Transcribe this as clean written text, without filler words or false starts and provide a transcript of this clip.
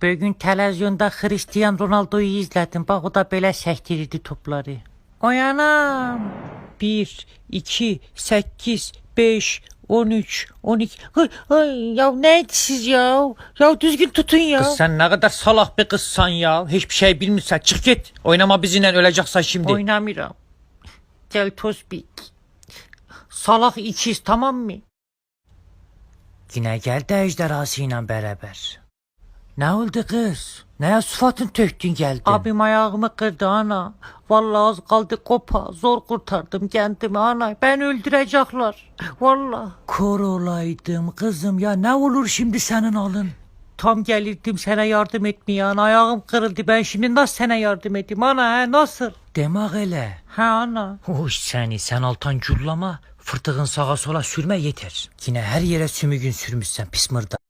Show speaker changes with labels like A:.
A: Bugün televizyonda Cristiano Ronaldo'yu izledim. Bak o da böyle sektirirdi topları. Oyanam. 1, 2, 8, 5, 13, 12. Ay, ya neydi siz ya? Ya düzgün tutun ya.
B: Kız sen ne kadar salak bir kızsan ya. Hiçbir şey bilmiyorsan çık git. Oynama bizimle, öleceksen şimdi.
A: Oynamıram. Gel Tosbik. Salak ikiz, tamam mı? Yine geldi ejderhasıyla beraber. Ne oldu kız? Neye sıfatın töktün geldin? Abim ayağımı kırdı ana. Vallahi az kaldı kopa. Zor kurtardım kendimi ana. Ben öldürecekler. Vallahi. Kor olaydım kızım ya. Ne olur şimdi senin alın? Tam gelirdim sana yardım etmeye ana. Ayağım kırıldı. Ben şimdi nasıl sana yardım edeyim ana? He, nasıl? Demek öyle. He ana. Hoş sen altan cullama. Fırtığın sağa sola sürme yeter. Yine her yere sümüğün sürmüşsen pis mırda.